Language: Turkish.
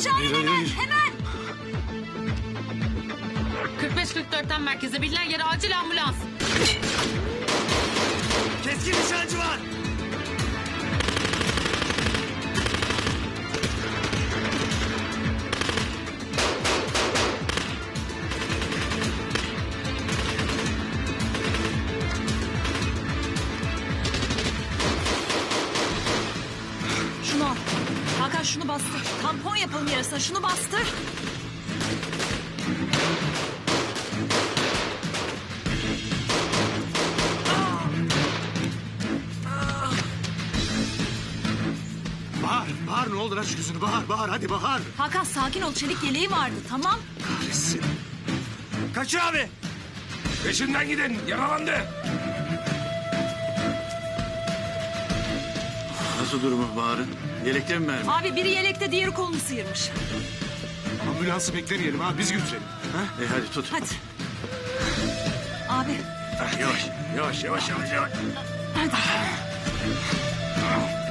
çağırın hemen. Hemen. 45-44'ten merkeze bilinen yere acil ambulans. Keskin nişancı var. Şunu al. Hakan şunu bastır. Tampon yapalım yarısına. Şunu bastır. Bahar ne olur aç gözünü Bahar hadi Bahar. Hakan sakin ol. Çelik yeleği vardı tamam. Kahretsin. Kaçır abi. Peşinden gidin. Yaralandı. Nasıl durumu Bahar'ın? Yelekte mi mermi? Abi biri yelekte diğeri kolunu sıyırmış. Ambulansı beklemeyelim ha biz götürelim. Ha? Hadi tut. Hadi. Abi Yavaş. hadi.